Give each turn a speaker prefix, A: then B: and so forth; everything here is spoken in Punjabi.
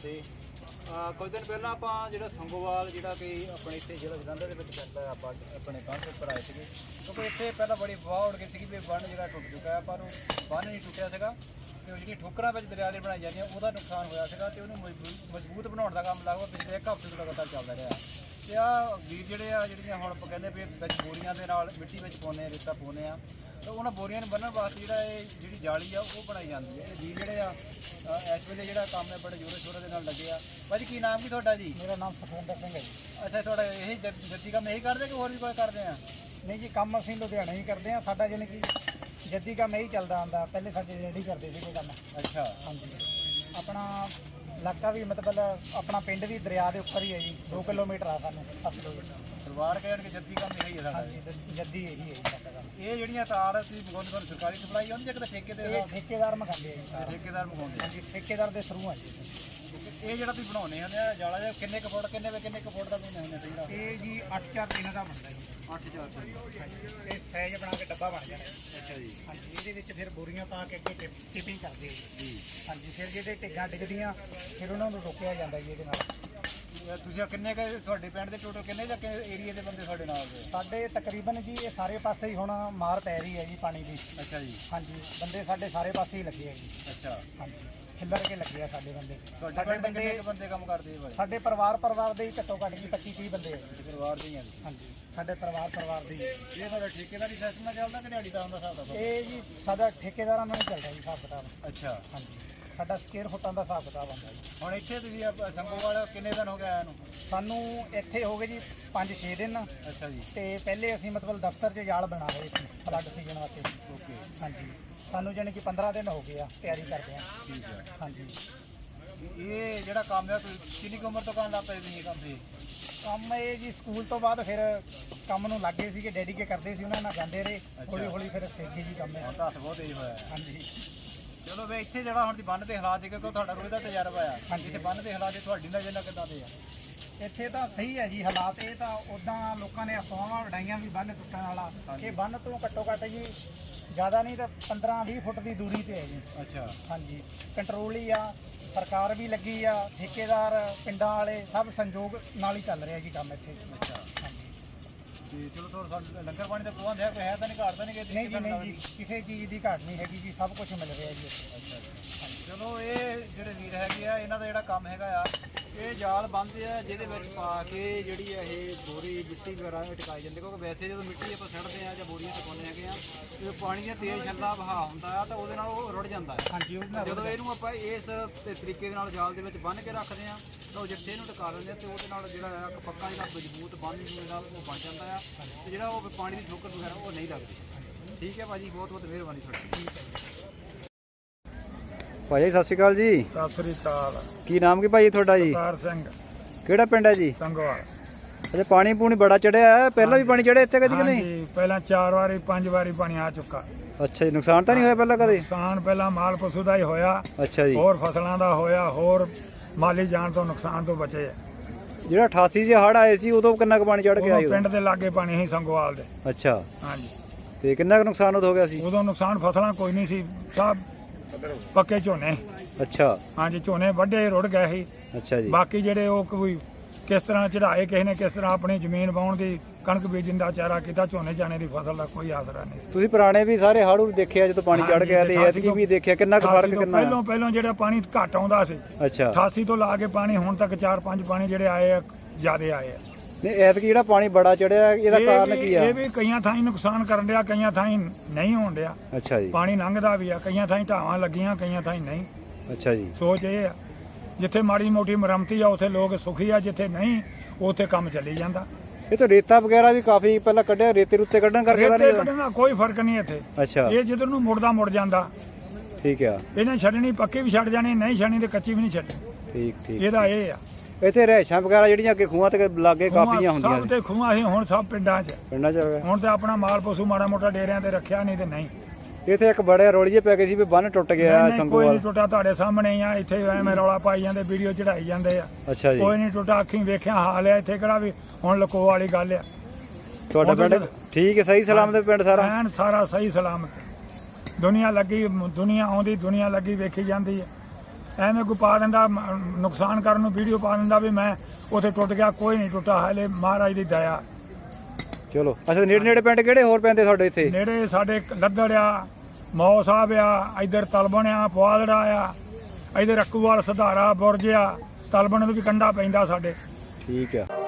A: ਫਤਿਹ। ਕੁਝ ਦਿਨ ਪਹਿਲਾਂ ਆਪਾਂ ਜਿਹੜਾ ਸੰਗੋਵਾਲ ਜਿਹੜਾ ਕਿ ਆਪਣੇ ਇੱਥੇ ਜਿਹੜਾ ਜਲੰਧਰ ਦੇ ਵਿੱਚ ਪੈਂਦਾ ਆਪਾਂ ਆਪਣੇ ਬੰਨ੍ਹ ਦੇ ਉੱਪਰ ਆਏ ਸੀਗੇ, ਕਿਉਂਕਿ ਇੱਥੇ ਪਹਿਲਾਂ ਬੜੀ ਵਾਹ ਉੱਡ ਗਈ ਸੀਗੀ ਵੀ ਬੰਨ੍ਹ ਜਿਹੜਾ ਟੁੱਟ ਚੁੱਕਾ ਹੈ, ਪਰ ਉਹ ਬੰਨ੍ਹ ਨਹੀਂ ਟੁੱਟਿਆ ਸੀਗਾ ਤੇ ਉਹ ਜਿਹੜੀਆਂ ਠੋਕਰਾਂ ਵਿੱਚ ਦਰਿਆ ਦੇ ਬਣਾਈ ਜਾਂਦੀਆਂ ਉਹਦਾ ਨੁਕਸਾਨ ਹੋਇਆ ਸੀਗਾ ਤੇ ਉਹਨੂੰ ਮਜ਼ਬੂਤ ਬਣਾਉਣ ਦਾ ਕੰਮ ਲਗਭਗ ਪਿਛਲੇ ਇੱਕ ਹਫ਼ਤੇ ਤੋਂ ਲਗਾਤਾਰ ਚੱਲਦਾ ਰਿਹਾ। ਤੇ ਆਹ ਵੀਰ ਜਿਹੜੇ ਆ ਜਿਹੜੀਆਂ ਹੁਣ ਆਪਾਂ ਕਹਿੰਦੇ ਵੀ ਵਿੱਚ ਬੋਰੀਆਂ ਦੇ ਨਾਲ ਮਿੱਟੀ ਵਿੱਚ ਪਾਉਂਦੇ ਆ, ਰੇਤਾ ਪਾਉਂਦੇ ਆ, ਤਾਂ ਉਹਨਾਂ ਬੋਰੀਆਂ ਨੂੰ ਬੰਨ੍ਹਣ ਵਾਸਤੇ ਜਿਹੜਾ ਇਹ ਜਿਹੜੀ ਜਾਲੀ ਆ ਉਹ ਬਣਾਈ ਜਾਂਦੀ ਹੈ। ਇਹ ਵੀਰ ਜਿਹੜੇ ਆ ਇਸ ਵੇਲੇ ਜਿਹੜਾ ਕੰਮ ਹੈ ਬੜੇ ਜ਼ੋਰਾਂ ਸ਼ੋਰਾਂ ਦੇ ਨਾਲ ਲੱਗੇ ਆ। ਭਾਜੀ ਕੀ ਨਾਮ ਕੀ ਤੁਹਾਡਾ ਜੀ?
B: ਮੇਰਾ ਨਾਮ ਸੁਖਵਿੰਦਰ ਸਿੰਘ ਹੈ ਜੀ।
A: ਅੱਛਾ, ਤੁਹਾਡਾ ਇਹੀ ਜੱਦੀ ਕੰਮ ਇਹੀ ਕਰਦੇ ਕਿ ਹੋਰ ਵੀ ਕੋਈ ਕਰਦੇ ਆ?
B: ਨਹੀਂ ਜੀ, ਕੰਮ ਅਸੀਂ ਲੁਧਿਆਣਾ ਹੀ ਕਰਦੇ ਆ। ਸਾਡਾ ਜਾਣੀ ਕਿ ਜੱਦੀ ਕੰਮ ਇਹੀ ਚੱਲਦਾ ਆਉਂਦਾ। ਪਹਿਲੇ ਸਾਡੇ ਰੈਡੀ ਕਰਦੇ ਸੀਗੇ ਕੰਮ।
A: ਅੱਛਾ,
B: ਹਾਂਜੀ। ਆਪਣਾ ਇਲਾਕਾ ਵੀ ਮਤਲਬ ਆਪਣਾ ਪਿੰਡ ਵੀ ਦਰਿਆ ਦੇ ਉੱਪਰ ਹੀ ਹੈ ਜੀ। 2 ਕਿਲੋਮੀਟਰ ਆ ਸਾਨੂੰ 7 ਕਿਲੋਮੀਟਰ।
A: ਪਰਿਵਾਰ ਕਹਿਣ ਕਿ ਜੱਦੀ ਕੰਮ ਇਹੀ ਹੈ ਸਾਡਾ।
B: ਹਾਂਜੀ, ਜੱਦੀ ਇਹੀ ਹੈ ਜੀ ਸਾਡਾ ਕੰਮ।
A: ਇਹ ਜਿਹੜੀਆਂ ਤਾਰ ਅਸੀਂ ਮੰਗਵਾਉਂਦੇ ਤੁਹਾਨੂੰ ਸਰਕਾਰੀ ਸਪਲਾਈ ਆਉਂਦੀ ਜਾਂ ਕਿਤੇ ਠੇਕੇ ਦੇ
B: ਇਹ ਠੇਕੇਦਾਰ ਮੰਗਾਉਂਦੇ ਆ ਜੀ।
A: ਠੇਕੇਦਾਰ ਮੰਗਵਾਉਂਦੇ?
B: ਹਾਂਜੀ, ਠੇਕੇਦਾਰ ਦੇ ਥਰੂ ਆ ਜੀ।
A: ਇਹ ਜਿਹੜਾ ਤੁਸੀਂ ਬਣਾਉਂਦੇ ਹੁੰਦੇ ਆ ਜਾਲਾ ਜਿਹਾ ਕਿੰਨੇ ਕੁ ਫੁੱਟ ਕਿੰਨੇ ਕੁ ਫੁੱਟ ਦਾ ਬਣਾਉਂਦੇ ਹੁੰਦੇ ਚਾਹੀਦਾ?
B: ਇਹ ਜੀ 8-4 ਦਾ ਬਣਦਾ ਜੀ।
A: 8-4
B: ਹਾਂਜੀ, ਇਹ ਸਾਈਜ਼ ਬਣਾ ਕੇ ਡੱਬਾ ਬਣ ਜਾਣਾ।
A: ਅੱਛਾ ਜੀ।
B: ਹਾਂਜੀ, ਇਹਦੇ ਵਿੱਚ ਫਿਰ ਬੋਰੀਆਂ ਪਾ ਕੇ ਅੱਗੇ ਟਿਪਿੰਗ ਕਰਦੇ ਆ ਜੀ। ਹਾਂਜੀ, ਫਿਰ ਜਿਹੜੇ ਢਿੱਗਾਂ ਡਿੱਗਦੀਆਂ ਫਿਰ ਉਹਨਾਂ ਨੂੰ ਰੋਕਿਆ ਜਾਂਦਾ ਜੀ ਇਹਦੇ ਨਾਲ।
A: ਤੁਸੀਂ ਕਿੰਨੇ ਕੁ ਤੁਹਾਡੇ ਪਿੰਡ ਦੇ ਟੋਟਲ ਕਿੰਨੇ ਜਾਂ ਏਰੀਆ ਦੇ ਬੰਦੇ ਤੁਹਾਡੇ ਨਾਲ ਦੇ?
B: ਸਾਡੇ ਤਕਰੀਬਨ ਜੀ ਇਹ ਸਾਰੇ ਪਾਸੇ ਹੀ ਹੁਣ ਮਾਰ ਪੈ ਰਹੀ ਹੈ ਜੀ ਪਾਣੀ ਦੀ।
A: ਅੱਛਾ ਜੀ।
B: ਹਾਂਜੀ, ਬੰਦੇ ਸਾਡੇ ਸਾਰੇ ਪਾਸੇ ਹੀ ਲੱਗੇ ਆ ਜੀ।
A: ਅੱਛਾ,
B: ਹਾਂਜੀ, ਖਿੱਲਰ ਕੇ ਲੱਗੇ ਆ ਸਾਡੇ ਬੰਦੇ।
A: ਤੁਹਾਡੇ ਪਿੰਡ ਕਿੰਨੇ ਬੰਦੇ ਕੰਮ ਕਰਦੇ ਆ?
B: ਸਾਡੇ ਪਰਿਵਾਰ ਦੇ ਹੀ ਘੱਟੋ ਘੱਟ ਜੀ 25-30 ਬੰਦੇ ਆ ਜੀ।
A: ਪਰਿਵਾਰ ਦੇ ਹੀ ਆ?
B: ਹਾਂਜੀ, ਸਾਡੇ ਪਰਿਵਾਰ ਦੇ ਹੀ।
A: ਇਹ ਤੁਹਾਡਾ ਠੇਕੇਦਾਰੀ ਸਿਸਟਮ ਨਾਲ ਚੱਲਦਾ ਕਿ ਦਿਹਾੜੀ ਦਾ ਹੁੰਦਾ ਹਿਸਾਬ ਦਾ?
B: ਇਹ ਜੀ ਸਾਡਾ ਠੇਕੇਦਾਰਾਂ ਨਾਲ ਹੀ ਚੱਲਦਾ ਜੀ ਹਿਸਾਬ ਕਿਤਾਬ।
A: ਅੱਛਾ,
B: ਹਾਂਜੀ, ਸਾਡਾ ਸਕੁਅਰ ਫੁੱਟਾਂ ਦਾ ਹਿਸਾਬ ਕਿਤਾਬ ਆਉਂਦਾ ਜੀ।
A: ਹੁਣ ਇੱਥੇ ਤੁਸੀਂ ਸੰਗੋਵਾਲ ਕਿੰਨੇ ਦਿਨ ਹੋ ਗਏ ਆਇਆ ਨੂੰ?
B: ਸਾਨੂੰ ਇੱਥੇ ਹੋ ਗਏ ਜੀ 5-6 ਦਿਨ।
A: ਅੱਛਾ ਜੀ।
B: ਤੇ ਪਹਿਲੇ ਅਸੀਂ ਮਤਲਬ ਦਫ਼ਤਰ 'ਚ ਜਾਲ ਬਣਾ ਰਹੇ ਸੀ ਫਲੱਡ ਸੀਜ਼ਨ ਵਾਸਤੇ।
A: ਓਕੇ।
B: ਹਾਂਜੀ, ਸਾਨੂੰ ਜਾਣੀ ਕਿ 15 ਦਿਨ ਹੋ ਗਏ ਆ ਤਿਆਰੀ ਕਰਦੇ ਆ।
A: ਠੀਕ ਹੈ।
B: ਹਾਂਜੀ,
A: ਇਹ ਜਿਹੜਾ ਕੰਮ ਹੈ ਤੁਸੀਂ ਕਿੰਨੀ ਕੁ ਉਮਰ ਤੋਂ ਕਰਨ ਲੱਗ ਪਏ ਤੁਸੀਂ ਇਹ ਕੰਮ ਤੇ?
B: ਕੰਮ ਇਹ ਜੀ ਸਕੂਲ ਤੋਂ ਬਾਅਦ ਫਿਰ ਕੰਮ ਨੂੰ ਲੱਗੇ ਸੀਗੇ, ਡੈਡੀਕੇ ਕਰਦੇ ਸੀ, ਉਹਨਾਂ ਨਾਲ ਜਾਂਦੇ ਰਹੇ। ਹੌਲੀ ਫਿਰ ਸਿੱਖੇ ਜੀ ਕੰਮ।
A: ਹੁਣ ਤਾਂ ਹੱਥ ਬਹੁਤ ਤੇਜ਼ ਹੋਇਆ।
B: ਹਾਂਜੀ।
A: ਚਲੋ ਵੇ ਇੱਥੇ ਜਿਹੜਾ ਹੁਣ ਦੀ ਬੰਨ ਦੇ ਹਾਲਾਤ ਦੇਖੋ ਕਿ ਤੁਹਾਡਾ ਰੋਜ਼ ਦਾ ਤਜਰਬਾ ਆ। ਇੱਥੇ ਬੰਨ ਦੇ ਹਾਲਾਤ ਤੁਹਾਡੀ ਨਜ਼ਰ ਨਾਲ ਕਿੱਦਾਂ ਦੇ ਆ?
B: ਇੱਥੇ ਤਾਂ ਸਹੀ ਹੈ ਜੀ ਹਾਲਾਤ। ਇਹ ਤਾਂ ਉਦਾਂ ਲੋਕਾਂ ਨੇ ਅਫਵਾਹਾਂ ਉਡਾਈਆਂ ਵੀ ਬੰਨ ਟੁੱਟਣ ਵਾਲਾ। ਇਹ ਬੰਨ ਤੋਂ ਘੱਟੋ ਘੱਟ ਜੀ ਜ਼ਿਆਦਾ ਨਹੀਂ ਤਾਂ 15-20 ਫੁੱਟ ਦੀ ਦੂਰੀ ਤੇ ਹੈ ਜੀ।
A: ਅੱਛਾ।
B: ਹਾਂਜੀ, ਕੰਟਰੋਲ ਹੀ ਆ, ਸਰਕਾਰ ਵੀ ਲੱਗੀ ਆ, ਠੇਕੇਦਾਰ, ਪਿੰਡਾਂ ਵਾਲੇ ਸਭ ਸੰਯੋਗ ਨਾਲ ਹੀ ਚੱਲ ਰਿਹਾ ਜੀ ਕੰਮ ਇੱਥੇ।
A: ਅੱਛਾ।
B: ਹਾਂਜੀ।
A: ਤੇ ਚਲੋ ਤੁਹਾਨੂੰ ਲੰਗਰ ਪਾਣੀ ਦਾ ਪ੍ਰਬੰਧ ਹੈ ਕੋਈ ਹੈ ਤਾਂ ਨਹੀਂ ਘਾਟ ਤਾਂ ਨਹੀਂ ਕਿ?
B: ਨਹੀਂ ਜੀ, ਨਹੀਂ ਜੀ, ਕਿਸੇ ਚੀਜ਼ ਦੀ ਘਾਟ ਨਹੀਂ ਹੈਗੀ ਜੀ, ਸਭ ਕੁਝ ਮਿਲ ਰਿਹਾ ਜੀ ਇੱਥੇ।
A: ਅੱਛਾ ਜੀ। ਚਲੋ ਇਹ ਜਿਹੜੇ ਵੀਰ ਹੈਗੇ ਆ ਇਹਨਾਂ ਦਾ ਜਿਹੜਾ ਕੰਮ ਹੈਗਾ ਆ, ਇਹ ਜਾਲ ਬੰਨ੍ਹਦੇ ਆ ਜਿਹਦੇ ਵਿੱਚ ਪਾ ਕੇ ਜਿਹੜੀ ਆ ਇਹ ਬੋਰੀ ਮਿੱਟੀ ਵਗੈਰਾ ਟਿਕਾਈ ਜਾਂਦੇ, ਕਿਉਂਕਿ ਵੈਸੇ ਜਦੋਂ ਮਿੱਟੀ ਆਪਾਂ ਸਿੱਟਦੇ ਆ ਜਾਂ ਬੋਰੀਆਂ ਟਿਕਾਉਂਦੇ ਹੈਗੇ ਆ ਤੇ ਪਾਣੀ ਦਾ ਤੇਜ਼ ਛੱਲਾ ਵਹਾਅ ਹੁੰਦਾ ਆ ਤਾਂ ਉਹਦੇ ਨਾਲ ਉਹ ਰੁੜ ਜਾਂਦਾ ਹੈ।
B: ਹਾਂਜੀ,
A: ਜਦੋਂ ਇਹਨੂੰ ਆਪਾਂ ਇਸ ਤਰੀਕੇ ਦੇ ਨਾਲ ਜਾਲ ਦੇ ਵਿੱਚ ਬੰਨ੍ਹ ਕੇ ਰੱਖਦੇ ਆ ਤਾਂ ਉਹ ਜਿੱਥੇ ਇਹਨੂੰ ਟਿਕਾ ਦਿੰਦੇ ਆ ਤੇ ਉਹਦੇ ਨਾਲ ਜਿਹੜਾ ਆ ਪੱਕਾ ਜਿਹੜਾ ਮਜ਼ਬੂਤ ਬੰਨ੍ਹ ਨਾਲ ਉਹ ਬਣ ਜਾਂਦਾ ਆ ਤੇ ਜਿਹੜਾ ਉਹ ਪਾਣੀ ਦੀ ਠੋਕਰ ਵਗੈਰਾ ਉਹ ਨਹੀਂ ਲੱਗਦੀ। ਠੀਕ ਹੈ ਭਾਜੀ, ਬਹੁਤ ਬਹੁਤ ਮਿਹਰਬਾਨੀ ਤੁਹਾਡੀ।
B: ਠੀਕ ਹੈ ਜੀ।
C: ਭਾਈ ਸਤਿ ਸ਼੍ਰੀ ਅਕਾਲ ਜੀ।
B: ਸਤਿ ਸ੍ਰੀ ਅਕਾਲ।
C: ਕੀ ਨਾਮ ਕੀ ਭਾਈ ਤੁਹਾਡਾ ਜੀ?
B: ਸਰਦਾਰ ਸਿੰਘ,
C: ਕਿਹੜਾ ਪਿੰਡ ਹੈ ਜੀ?
B: ਸੰਗੋਵਾਲ।
C: ਅੱਛਾ, ਪਾਣੀ ਪੂਣੀ ਬੜਾ ਚੜਿਆ ਹੈ, ਪਹਿਲਾਂ ਵੀ ਪਾਣੀ ਚੜਿਆ ਇੱਥੇ ਕਦੀ ਕਿ ਨਹੀਂ?
B: ਹਾਂਜੀ, ਪਹਿਲਾਂ 4 ਵਾਰੀ 5 ਵਾਰੀ ਪਾਣੀ ਆ ਚੁੱਕਾ।
C: ਅੱਛਾ ਜੀ, ਨੁਕਸਾਨ ਤਾਂ ਨਹੀਂ ਹੋਇਆ ਪਹਿਲਾਂ ਕਦੇ?
B: ਨੁਕਸਾਨ ਪਹਿਲਾਂ ਮਾਲ ਪਸ਼ੂ ਦਾ ਹੀ ਹੋਇਆ,
C: ਅੱਛਾ ਜੀ।
B: ਹੋਰ ਫਸਲਾਂ ਦਾ ਹੋਇਆ, ਹੋਰ ਮਾਲੀ ਜਾਨ ਤੋਂ ਨੁਕਸਾਨ ਤੋਂ ਬਚੇ ਆ।
C: ਜਿਹੜਾ 88 'ਚ ਹੜ੍ਹ ਆਏ ਸੀ ਉਦੋਂ ਕਿੰਨਾ ਕੁ ਪਾਣੀ ਚੜ ਕੇ ਆਇਆ?
B: ਉਦੋਂ ਪਿੰਡ ਦੇ ਲਾਗੇ ਪਾਣੀ ਸੀ ਸੰਗੋਵਾਲ ਦੇ।
C: ਅੱਛਾ,
B: ਹਾਂਜੀ।
C: ਤੇ ਕਿੰਨਾ ਕੁ ਨੁਕਸਾਨ ਉਦੋਂ ਹੋ ਗਿਆ ਸੀ?
B: ਉਦੋਂ ਨੁਕਸਾਨ ਫਸਲਾਂ ਕੋਈ ਨਹੀਂ ਸੀ, ਸਭ ਪੱਕੇ ਝੋਨੇ।
C: ਅੱਛਾ।
B: ਹਾਂਜੀ, ਝੋਨੇ ਵੱਡੇ ਰੁੜ ਗਏ ਸੀ।
C: ਅੱਛਾ ਜੀ।
B: ਬਾਕੀ ਜਿਹੜੇ ਉਹ ਕੋਈ ਕਿਸ ਤਰ੍ਹਾਂ ਚੜਾਏ, ਕਿਸੇ ਨੇ ਕਿਸ ਤਰ੍ਹਾਂ ਆਪਣੀ ਜ਼ਮੀਨ ਵਾਹੁਣ ਦੀ, ਕਣਕ ਬੀਜਣ ਦਾ ਚਾਰਾ ਕੀਤਾ, ਝੋਨੇ ਚਾਣੇ ਦੀ ਫਸਲ ਦਾ ਕੋਈ ਆਸਰਾ ਨਹੀਂ।
C: ਤੁਸੀਂ ਪੁਰਾਣੇ ਵੀ ਸਾਰੇ ਹੜ੍ਹ ਦੇਖਿਆ ਜਦੋਂ ਪਾਣੀ ਚੜ ਗਿਆ, ਤੇ ਐਤਕੀ ਵੀ ਦੇਖਿਆ ਕਿੰਨਾ ਕੁ ਫਰਕ ਕਿੰਨਾ?
B: ਪਹਿਲੋਂ ਜਿਹੜਾ ਪਾਣੀ ਘੱਟ ਆਉਂਦਾ ਸੀ,
C: ਅੱਛਾ,
B: 88 ਤੋਂ ਲਾ ਕੇ ਪਾਣੀ ਹੁਣ ਤੱਕ 4-5 ਪਾਣੀ ਜਿਹੜੇ ਆਏ ਆ ਜ਼ਿਆਦੇ ਆਏ ਆ।
C: ਨਹੀਂ ਐਤਕੀ ਜਿਹੜਾ ਪਾਣੀ ਬੜਾ ਚੜਿਆ ਇਹਦਾ ਕਾਰਨ ਕੀ ਆ?
B: ਇਹ ਵੀ ਕਈਆਂ ਥਾਈਂ ਨੁਕਸਾਨ ਕਰਨ ਡਿਆ, ਕਈਆਂ ਥਾਈਂ ਨਹੀਂ ਹੋਣ ਡਿਆ।
C: ਅੱਛਾ ਜੀ।
B: ਪਾਣੀ ਲੰਘਦਾ ਵੀ ਆ, ਕਈਆਂ ਥਾਈਂ ਢਾਵਾਂ ਲੱਗੀਆਂ, ਕਈਆਂ ਥਾਈਂ ਨਹੀਂ।
C: ਅੱਛਾ ਜੀ।
B: ਸੋਚ ਇਹ ਆ ਜਿੱਥੇ ਮਾੜੀ ਮੋਟੀ ਮੁਰੰਮਤੀ ਆ ਉੱਥੇ ਲੋਕ ਸੁਖੀ ਆ, ਜਿੱਥੇ ਨਹੀਂ ਉੱਥੇ ਕੰਮ ਚੱਲੀ ਜਾਂਦਾ।
C: ਇਹ ਤਾਂ ਰੇਤਾ ਵਗੈਰਾ ਵੀ ਕਾਫੀ ਪਹਿਲਾਂ ਕੱਢਿਆ, ਰੇਤੇ ਰੁੱਤੇ ਕੱਢਣ ਕਰਕੇ ਤਾਂ
B: ਰੇਤੇ ਕੱਢਣ ਦਾ ਕੋਈ ਫਰਕ ਨਹੀਂ ਇੱਥੇ।
C: ਅੱਛਾ,
B: ਇਹ ਜਿੱਧਰ ਨੂੰ ਮੁੜਦਾ ਮੁੜ ਜਾਂਦਾ।
C: ਠੀਕ ਆ।
B: ਇਹਨੇ ਛੱਡਣੀ ਪੱਕੀ ਵੀ ਛੱਡ ਜਾਣੀ, ਨਹੀਂ ਛੱਡਣੀ ਤੇ ਕੱਚੀ ਵੀ ਨਹੀਂ ਛੱਡਣੀ।
C: ਠੀਕ ਠੀਕ।
B: ਇਹਦਾ ਇਹ ਆ।
C: ਇੱਥੇ ਰਹਿਸ਼ਾਂ ਵਗੈਰਾ ਜਿਹੜੀਆਂ ਅੱਗੇ ਖੂਹਾਂ ਤੇ ਲਾਗੇ ਕਾਫੀਆਂ ਹੁੰਦੀਆਂ
B: ਸਭ ਤੇ ਖੂਹਾਂ ਸੀ, ਹੁਣ ਸਭ ਪਿੰਡਾਂ 'ਚ।
C: ਪਿੰਡਾਂ 'ਚ
B: ਹੁਣ ਤੇ ਆਪਣਾ ਮਾਲ ਪਸ਼ੂ ਮਾੜਾ ਮੋਟਾ ਡੇਰਿਆਂ ਤੇ ਰੱਖਿਆ, ਨਹੀਂ ਤੇ ਨਹੀਂ।
C: ਇੱਥੇ ਇੱਕ ਬੜੇ ਰੌਲੀ ਜਿਹੇ ਪੈ ਗਏ ਸੀ ਵੀ ਬੰਨ ਟੁੱਟ ਗਿਆ
B: ਕੋਈ
C: ਸੰਗੋਵਾਲ।
B: ਨਹੀਂ ਟੁੱਟਾ, ਤੁਹਾਡੇ ਸਾਹਮਣੇ ਹੀ ਆ। ਇੱਥੇ ਐਵੇਂ ਰੌਲਾ ਪਾਈ ਜਾਂਦੇ, ਵੀਡੀਓ ਚੜਾਈ ਜਾਂਦੇ ਆ।
C: ਅੱਛਾ ਜੀ।
B: ਕੋਈ ਨਹੀਂ ਟੁੱਟਾ, ਅੱਖੀਂ ਵੇਖਿਆ ਹਾਲ ਆ। ਇੱਥੇ ਕਿਹੜਾ ਵੀ ਹੁਣ ਲਕੋ ਵਾਲੀ ਗੱਲ ਆ।
C: ਤੁਹਾਡਾ ਪਿੰਡ ਠੀਕ ਹੈ, ਸਹੀ ਸਲਾਮਤ ਪਿੰਡ ਸਾਰਾ?
B: ਐਨ ਸਾਰਾ ਸਹੀ ਸਲਾਮਤ। ਦੁਨੀਆ ਲੱਗੀ, ਦੁਨੀਆ ਆਉਂਦੀ, ਦੁਨੀਆ ਲੱਗੀ ਵੇਖੀ ਜਾਂਦੀ ਹੈ।
D: ਐਵੇਂ ਕੋਈ ਪਾ ਦਿੰਦਾ ਨੁਕਸਾਨ ਕਰਨ ਨੂੰ ਵੀਡੀਓ ਪਾ ਦਿੰਦਾ ਵੀ ਮੈਂ ਉੱਥੇ ਟੁੱਟ ਗਿਆ, ਕੋਈ ਨਹੀਂ ਟੁੱਟਾ, ਹਾਲੇ ਮਹਾਰਾਜ ਦੀ ਦਇਆ।
C: ਚਲੋ ਅੱਛਾ, ਨੇੜੇ ਨੇੜੇ ਪਿੰਡ ਕਿਹੜੇ ਹੋਰ ਪੈਂਦੇ ਤੁਹਾਡੇ ਇੱਥੇ?
D: ਨੇੜੇ ਸਾਡੇ ਲੱਦੜ ਆ, ਮੌ ਸਾਹਿਬ ਆ, ਇੱਧਰ ਤਲਬਣ ਆ, ਪੁਆਲੜਾ ਆ, ਇੱਧਰ ਅੱਕੂਵਾਲ, ਸੁਧਾਰਾ, ਬੁਰਜ ਆ, ਤਲਬਣ ਨੂੰ ਵੀ ਕੰਢਾ ਪੈਂਦਾ ਸਾਡੇ।
C: ਠੀਕ ਆ।